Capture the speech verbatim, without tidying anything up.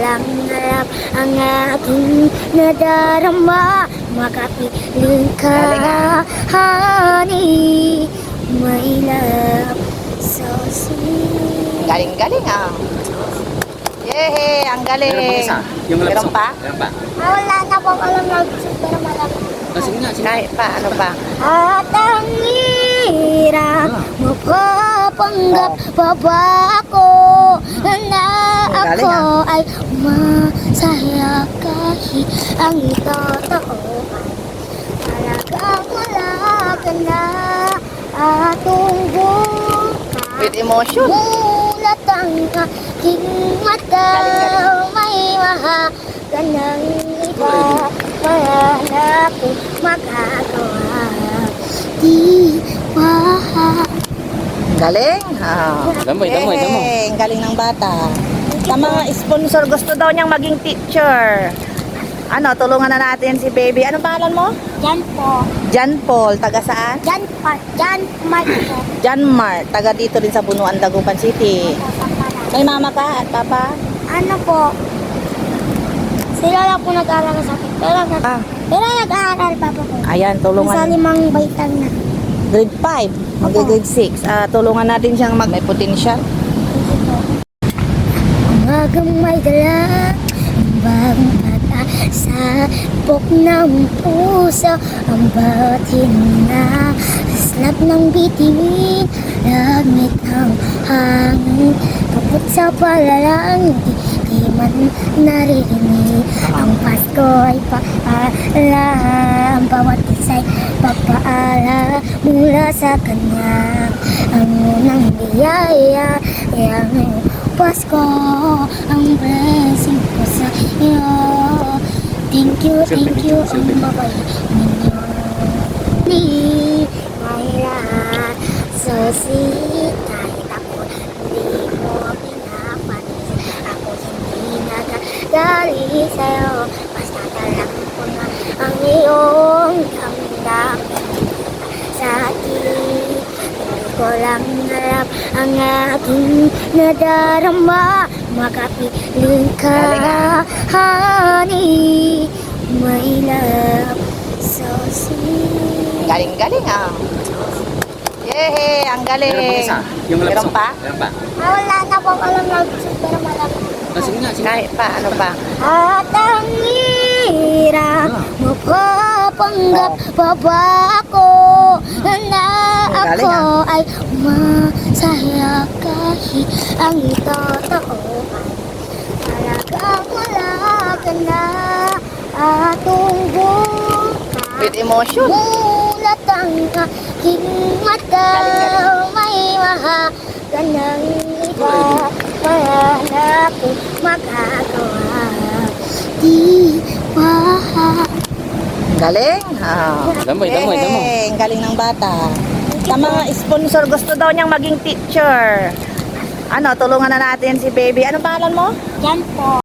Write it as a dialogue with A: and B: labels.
A: lang harap ang aking nadarama. Makapiling ka, honey, my love, so sweet.
B: Galing-galing ah. Yehey, ang galing.
C: Meron pang isa. Yung love
B: Meron
C: song.
B: pa?
C: Meron pa.
A: Ah, wala na po alam na pero malapit.
C: Ah, sige nga, sige.
B: Kahit pa, ano pa?
A: At ang hirap mapapanggap pa ba ako na
B: Galing,
A: ako ay masaya kahit ang totoo ay talagang wala ka na atong buka.
B: With emotion.
A: Mulat ang aking mata, may mahaga ng iba, wala na akong magagawa. Di ba?
B: Galing. Ah.
C: Damoy, damoy, damoy.
B: Yehey, ang galing ng bata. Sa mga sponsor, gusto daw niyang maging teacher. Ano, tulungan na natin si baby. Anong pangalan mo?
A: Yan po.
B: Jan Paul. Taga saan?
A: Yan pa. Yan Mark po.
B: Jan Mar. Taga dito din sa Bunuan, Dagupan City. May mama ka at papa?
A: Ano po? Sila lang po nag-aaral sa akin. Pero, nag-
B: Ah,
A: pero nag-aaral pa po.
B: ayan,
A: Nasa
B: tulungan.
A: limang baitan na.
B: Grade five. Mag-grade six. Ah, tulungan natin siyang mag may potential.
A: Umagang may dala, ang bagong pag-asa, pok ng puso, ang bawat hininga, slap ng bituin, lamig ng hangin, kapot sa palalang, di, di man naririnig. Ang Pasko ay paalam, bawat isa'y papaala mula sa kanya. Ang unang biyaya ay ang iyong Pasko, ang blessing ko sa iyo. Thank you, thank you, ang babay ninyo. Ni, my lahat, so sweet, kahit ako hindi mo pinapansin. Ako hindi nagagalit sa'yo, basta talang ko na ang iyong damdamin sa akin. Hindi ko lang harap ang aking nadarama. Makapiling ka, honey, my love, so sweet.
B: Galing-galing ah. Yehey, ang galing.
C: Meron pang isa. Yung love
B: Meron
C: song.
B: pa?
C: Meron pa.
A: Ah, wala na po alam na pero malapit.
C: Ah, sige nga, sige.
B: Kahit pa, ano pa?
A: At ang hirap mapapanggap pa ba ako na
B: Galing,
A: ako ay masaya kahit ang totoo ay talagang wala ka na atong buka.
B: With emotion.
A: Mulat ang aking mata, may mahaga ng iba, wala na akong magagawa. Di ba?
B: Galing. Ah.
C: Damoy, damoy, damoy.
B: Yehey, ang galing ng bata. Sa mga sponsor, gusto daw niyang maging teacher. Ano, tulungan na natin si baby. Anong pangalan mo?
A: Yan po.